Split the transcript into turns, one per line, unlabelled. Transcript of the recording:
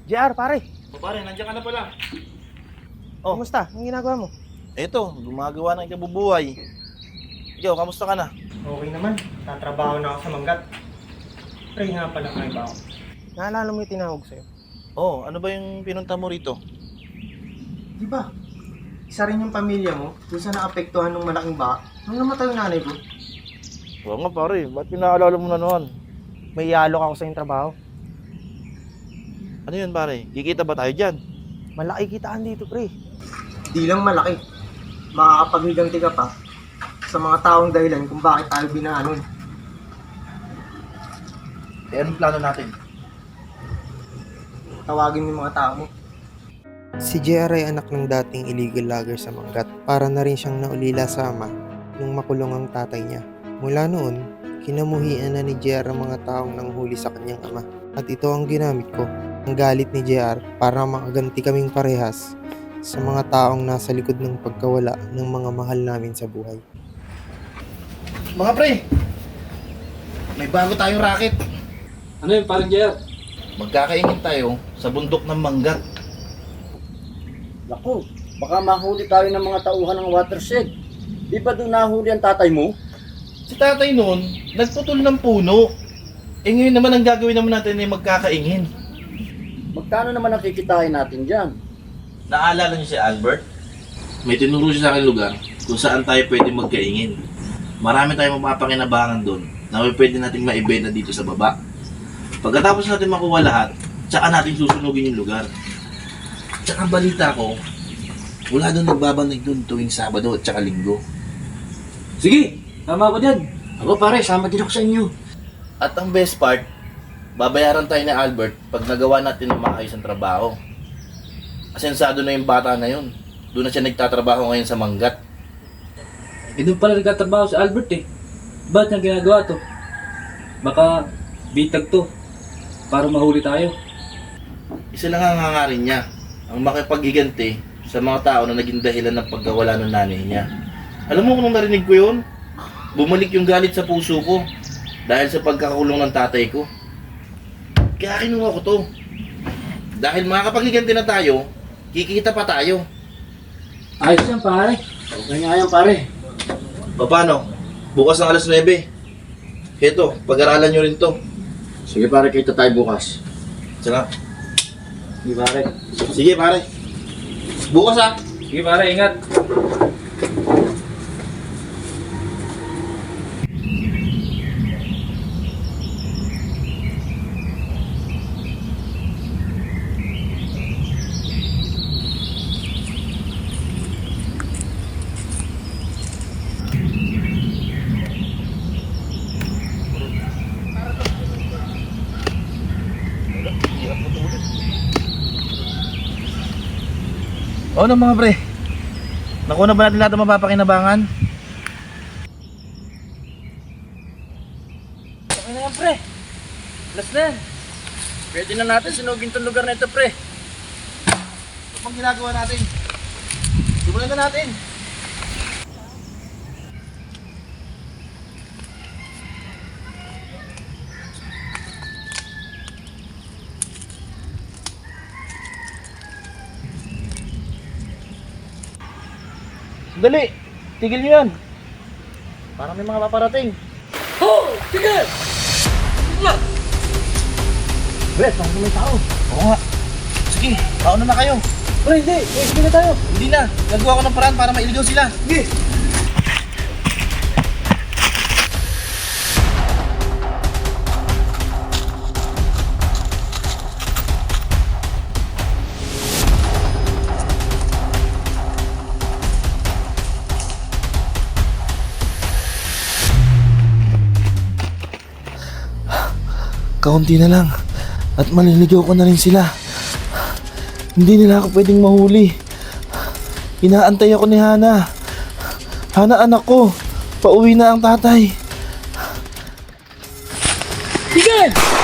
JR, pare.
O pare, nandiyan ka na pala.
Oh. Kumusta? Anong ginagawa mo?
Eto, gumagawa ng ikabubuhay. Ikaw, kamusta ka na?
Okay naman. Tatrabaho na ako sa manggat. Pre nga pala kayo ba ako?
Naalala mo yung tinawag sa'yo?
Oh, ano ba yung pinunta mo rito?
Di ba? Isa rin yung pamilya mo kung saan naapektuhan ng malaking baha nung namatay yung nanay ko.
Oo nga pare, ba't pinaalala mo na noon?
May ialok ako sa yung trabaho.
Ano yun pare? Kikita ba tayo dyan?
Malaki kitaan dito, pre.
Di lang malaki. Makakapaghigang tiga pa sa mga taong dahilan kung bakit tayo binahanon.
Eh, anong plano natin?
Tawagin mo yung mga tao mo.
Si JR ay anak ng dating illegal logger sa Manggat. Para na rin siyang naulila sa ama nung makulong ang tatay niya. Mula noon, kinamuhian na ni JR ang mga taong nanghuli sa kanyang ama. At ito ang ginamit ko, ang galit ni JR para makaganti kaming parehas sa mga taong nasa likod ng pagkawala ng mga mahal namin sa buhay.
Mga pre! May bago tayong racket.
Ano yun, parang JR?
Magkakaingin tayo sa bundok ng Manggat.
Naku, baka mahuli tayo ng mga tauhan ng watershed. Di ba doon nahuli ang tatay mo?
Si tatay noon, nagputol ng puno. Eh ngayon naman ang gagawin naman natin ay magkakaingin.
Magkano naman ang kikitain natin dyan?
Naalala niyo si Albert? May tinuro siya sa akin lugar kung saan tayo pwede magkaingin. Marami tayong mapapakinabangan doon na may pwede nating maibenta dito sa baba. Pagkatapos natin makuha lahat, tsaka natin susunugin yung lugar. Tsaka balita ko, wala doon nagbabanig doon tuwing Sabado at tsaka Linggo.
Sige, tama ako dyan.
Ako pare, sama din ako sa inyo.
At ang best part, babayaran tayo ni Albert pag nagawa natin ng maayos ang trabaho. Asensado na yung bata na yun. Doon na siya nagtatrabaho ngayon sa Manggat.
Eh, doon pala nagtatrabaho si Albert eh. Ba't niya ginagawa to? Baka bitag to para mahuli tayo.
Isa lang ang hangarin niya, ang makipaghiganti sa mga tao na naging dahilan ng pagkawala ng nanay niya. Alam mo kung nung narinig ko yun, bumalik yung galit sa puso ko dahil sa pagkakakulong ng tatay ko. Kaya kinuha ko to. Dahil makakapaghiganti na tayo, kikita pa tayo.
Ayos yan pare.
Okay nga yan pare.
Paano? Bukas ng alas 9. Heto, pag-aralan nyo rin to.
Sige pare, kita tayo bukas.
Sige.
Sige pare.
Sige pare. Bukas ah.
Sige pare, ingat.
O ano mga pre? Nakuha na ba natin lahat ng mapapakinabangan?
Okay na yan pre. Last na yan. Pwede na natin sinugin tong lugar na ito pre.
Ano pang ginagawa natin? Simulan na natin. Dali! Tigil nyo yan! Parang may mga paparating.
Pre, parang may tao.
Oo nga. Sige, mauna na kayo.
Pre, hindi. Sige na tayo.
Hindi na. Nagawa ko ng paraan para mailigaw sila.
Sige.
Kaunti na lang. At maliligaw ko na rin sila. Hindi nila ako pwedeng mahuli. Inaantay ako ni Hana. Hana anak ko. Pauwi na ang tatay.
Sige!